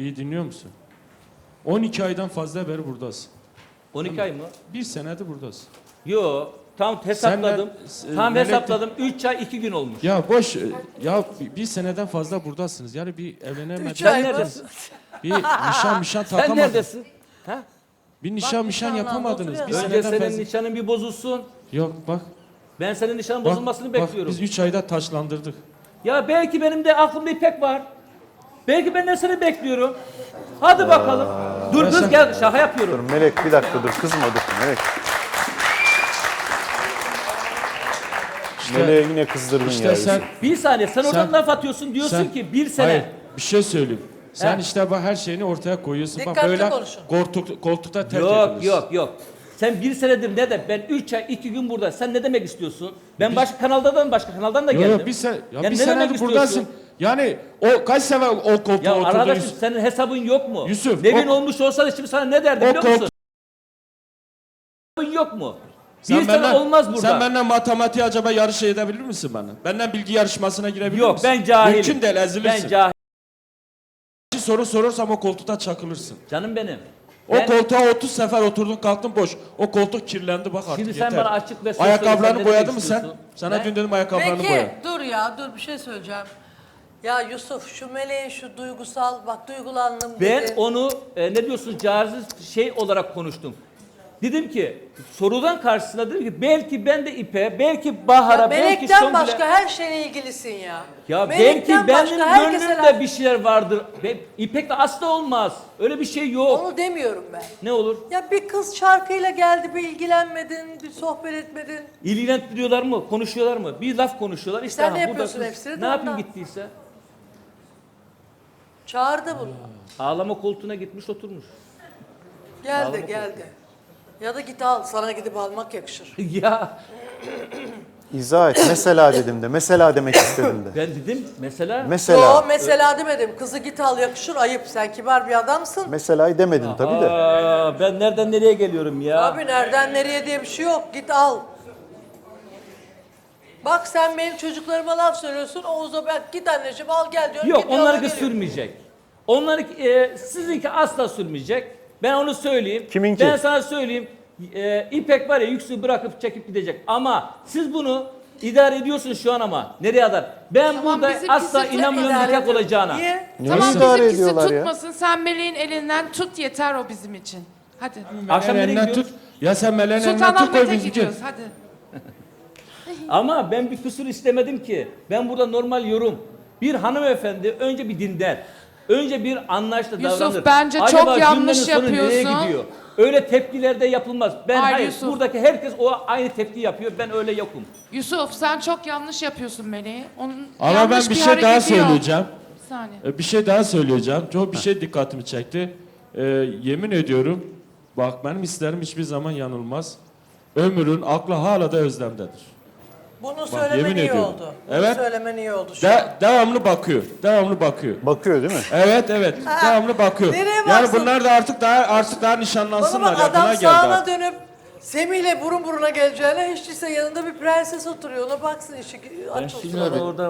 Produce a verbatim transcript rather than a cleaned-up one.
İyi dinliyor musun? on iki aydan fazla beri buradasın. on iki ay mı? Bir senedir buradasın. Yo, tam hesapladım. Senden, e, tam Melek- hesapladım. üç ay iki gün olmuş. Ya boş, e, ya bir- bir seneden fazla buradasınız. Yani bir evlenemediniz. Üç ay Sen mı? neredesin? Bir nişan mişan Sen takamadınız. neredesin? Ha? Bir nişan Bak, mişan nişanlandı, yapamadınız. Bir oturuyor. Önce seneden senin fazla. nişanın bir bozulsun. Yok bak. Ben senin nişanın Bak, bozulmasını bak, bekliyorum. biz üç ayda taşlandırdık. Ya belki benim de aklımda İpek var. Belki ben de seni bekliyorum. Hadi bakalım. Dur kız gel, şaka Dur yapıyorum. Melek bir dakika dur kızma dur Melek. Melek'i yine kızdırdın İşte ya. sen, Yusuf. Bir saniye sen oradan Sen- laf atıyorsun diyorsun sen- ki bir sene. Hayır, bir şey söyleyeyim. Sen He. işte bak her şeyini ortaya koyuyorsun. Bak Dikkatli böyle konuşun. koltuk, koltukta terk Yok ediliriz. yok yok. Sen bir senedir ne de ben üç ay iki gün burada. Sen ne demek istiyorsun? Ben başka kanaldan başka kanaldan da Yok geldim. yok bir, se ya Yani bir ne demek senedir istiyorsun? buradasın. Yani o kaç sefer o koltuğa Ya oturdun arkadaşım Yusuf? senin hesabın yok mu? Yusuf, Nevin o- olmuş olsa da şimdi sana ne derdim O biliyor musun? koltuk- Hesabın yok mu? Sen bir sene benden- olmaz burada. Sen benden matematiği acaba yarış edebilir misin bana? Benden bilgi yarışmasına girebilir Yok misin? ben cahilim. Mümkün değil ezilirsin. Ben cahil. Bir soru sorursam o koltukta çakılırsın. Canım benim. O Ben- koltuğa otuz sefer oturdun kalktın boş. O koltuk kirlendi bak artık Şimdi sen yeter. bana açık ve söz söyle, sen Ayakkabılarını ne boyadın demek mı sen? istiyorsun? Sana Ne? dün dedim ayakkabılarını boya. Peki dur ya dur bir şey söyleyeceğim. Ya Yusuf şu meleğin şu duygusal bak duygulandım Ben dedi. onu e, ne diyorsun cariz şey olarak konuştum. Dedim ki sorudan karşısına dedim ki belki ben de İpe, belki Bahar'a, Ya belki melekten Songül'e... başka her şeyle ilgilisin ya. Ya Melekten belki başka benim herkese gönlümde laf- bir şeyler vardır. Ben, İpek'le asla olmaz. Öyle bir şey yok. Onu demiyorum ben. Ne olur? Ya bir kız şarkıyla geldi bir ilgilenmedin, bir sohbet etmedin. İlgilendiriyorlar mı? Konuşuyorlar mı? Bir laf konuşuyorlar. İşte Sen aha, ne burada yapıyorsun kız- hepsini de Ne yapayım ondan. gittiyse? Çağırdı bunu. Ağlama koltuğuna gitmiş oturmuş. Geldi geldi. Ya da git al sana gidip almak yakışır. Ya İzah et. Mesela dedim de. Mesela demek istedim de. ben dedim mesela... Yo Mesela. mesela demedim. Kızı git al yakışır ayıp. Sen kibar bir adamsın. Mesela'yı demedin tabii de. Aa, ben nereden nereye geliyorum ya? Abi nereden nereye diye bir şey yok. Git al. Bak sen benim çocuklarıma laf söylüyorsun. Oğuz'a ben git anneciğim al gel diyorum. Yok gidiyor, ona onlarınki geliyor. sürmeyecek. Onlarınki, e, sizinki asla sürmeyecek. Ben onu söyleyeyim. Kiminki? Ben sana söyleyeyim. E, İpek var ya yüksü bırakıp çekip gidecek. Ama siz bunu idare ediyorsunuz şu an ama. Nereye kadar? Ben Tamam, burada bizimkisi asla çok inanmıyorum İdare nikah ediyor. olacağına. Niye? Niye Tamam idare bizimkisi ediyorlar ya? tutmasın. Sen meleğin elinden tut yeter o bizim için. Hadi. Akşam nereye elinden gidiyoruz? tut. Ya sen meleğin elinden tut koy Sultanahmet'e bizimki. gidiyoruz hadi. Ama ben bir kusur istemedim ki. Ben burada normal yorum. Bir hanımefendi önce bir dinler. Önce bir anlayışla Yusuf, davranır. bence çok Acaba yanlış cümlenin sonu nereye yapıyorsun. gidiyor? Öyle tepkilerde yapılmaz. Ben Hayır, hayır, Yusuf. buradaki herkes o aynı tepki yapıyor. Ben öyle yokum. Yusuf sen çok yanlış yapıyorsun meleği. Onun Ama yanlış ben bir şey daha hareketi yok. söyleyeceğim. Bir saniye. E, Bir şey daha söyleyeceğim. Çok bir şey dikkatimi çekti. E, yemin ediyorum bak benim hislerim hiçbir zaman yanılmaz. Ömür'ün aklı hala da özlemdedir. Bunu söylemen yemin iyi ediyorum. oldu. Bunu Evet. söylemen iyi oldu şu an. De, devamlı bakıyor. Devamlı bakıyor. Bakıyor değil mi? Evet evet. devamlı bakıyor. nereye Yani baksın? bunlar da artık daha artık daha Bana nişanlansınlar. bak Ya, adam buna geldi sağına artık. dönüp Semih'le burun buruna geleceğine hiç değilse yanında bir prenses oturuyor. Ona baksın işi Ben aç olsun. şimdi orada